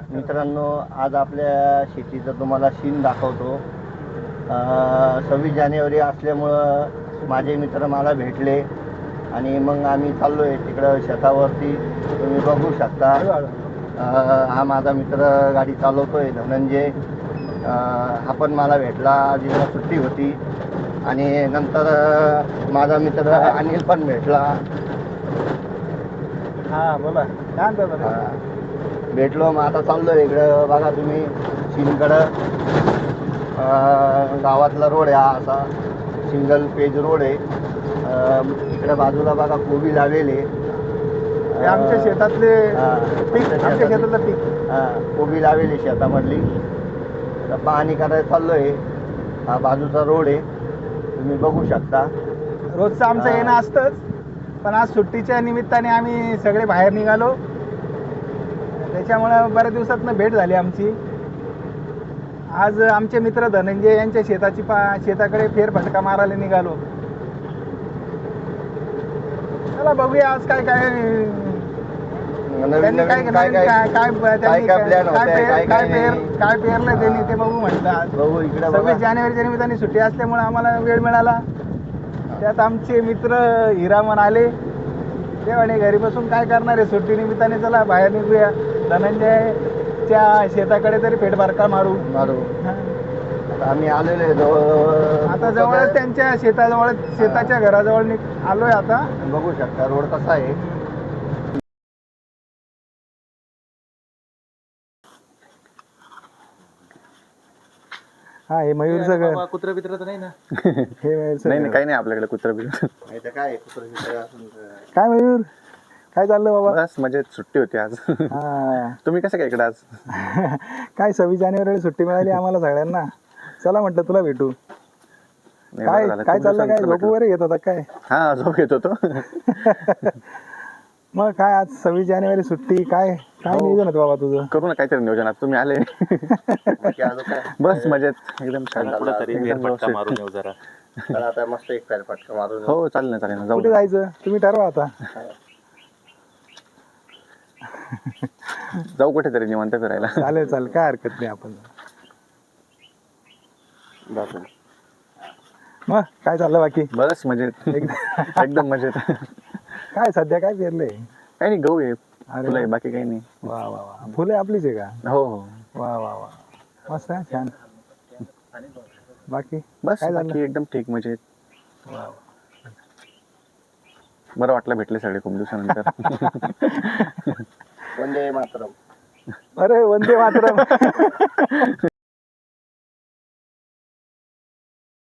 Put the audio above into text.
मित्रांनो, आज आपल्या शेतीचं तुम्हाला सीन दाखवतो. 26 जानेवारी असल्यामुळं माझे मित्र मला भेटले आणि मग आम्ही चाललो आहे तिकडं शेतावरती. तुम्ही बघू शकता. हा माझा मित्र गाडी चालवतो आहे, धनंजय. हा पण मला भेटला, जिला सुट्टी होती. आणि नंतर माझा मित्र अनिल पण भेटला. हा बोला, काय म्हणता? भेटलो. मग आता चाललो इकडं. बघा तुम्ही सीनकडं. गावातला रोड आहे हा, असा सिंगल पेज रोड आहे. इकडे बाजूला बघा कोबी लावलेले. आमच्या शेतातले पीक, आमच्या शेतातलं पीक. कोबी लावलेली शेतामधली. तर पाहणी करायला चाललोय. हा बाजूचा रोड आहे, तुम्ही बघू शकता. रोजचं आमचं येणं असतंच, पण आज सुट्टीच्या निमित्ताने आम्ही सगळे बाहेर निघालो. त्याच्यामुळे बऱ्याच दिवसातनं भेट झाली आमची. आज आमचे मित्र धनंजय यांच्या शेताकडे फेरफटका मारायला निघालो. चला बघूया आज काय काय त्यांनी काय पेरलं त्यांनी ते बघू म्हटलं. 26 जानेवारीच्या निमित्ताने सुट्टी असल्यामुळे आम्हाला वेळ मिळाला. त्यात आमचे मित्र हिरामन आले. ते म्हणे घरी बसून काय करणार आहे, सुट्टी निमित्ताने चला बाहेर निघूया, धनंजयच्या शेताकडे तरी फेरफटका मारू. आम्ही आलेलो आहे आता जवळच त्यांच्या शेताजवळ, शेताच्या घराजवळ आलोय. आता बघू शकता रोड कसा आहे. हा, हे मयूरचं घर. कुत्र बित्र तर नाही ना? हे मयूरचं नाही घर. काही नाही आपल्याकडे कुत्र बित्र. काय काय मयूर, काय चाललं बाबा? बस मजेत, सुट्टी होती आज. हा. तुम्ही कसं काय इकडे आज? काय 26 जानेवारीला सुट्टी मिळाली आम्हाला सगळ्यांना. चला म्हटलं तुला भेटू. नाही, काय बरं झालं. काय तुम्ही चाललं, काय सांगितलं झोप वगैरे घेत होता काय? हा, झोप घेत होतो. मग काय आज 26 जानेवारी सुट्टी, काय काय नियोजन होतं बाबा तुझं? करू ना काहीतरी नियोजन. आज तुम्ही आले. बस मजेत, एकदम छान. फेरफटका मारून येऊ जरा. आता मस्त एक फेरफटका मारून. हो चालेल ना, चालेल ना, जाऊ कुठे जायचं तुम्ही ठरवा आता. जाऊ कुठेतरी निवांत फिरायला. चालेल चालेल, काय हरकत नाही. आपण मग काय चाललं बाकी? बस मजेत, एकदम मजेत. काय सध्या काय पेरलंय? काही नाही, गहू आहे, अरे फुलं आहे, बाकी काही नाही. वा वा वा, फुले आपलीच आहे का? हो हो. वा वा वा, मस्त आहे, छान. बाकी बस काय बाकी झालं? एकदम ठीक, मजेत. वा वा. बरं वाटलं भेटले सगळे खूप दिवसानंतर. वंदे मातरम. अरे वंदे मातरम.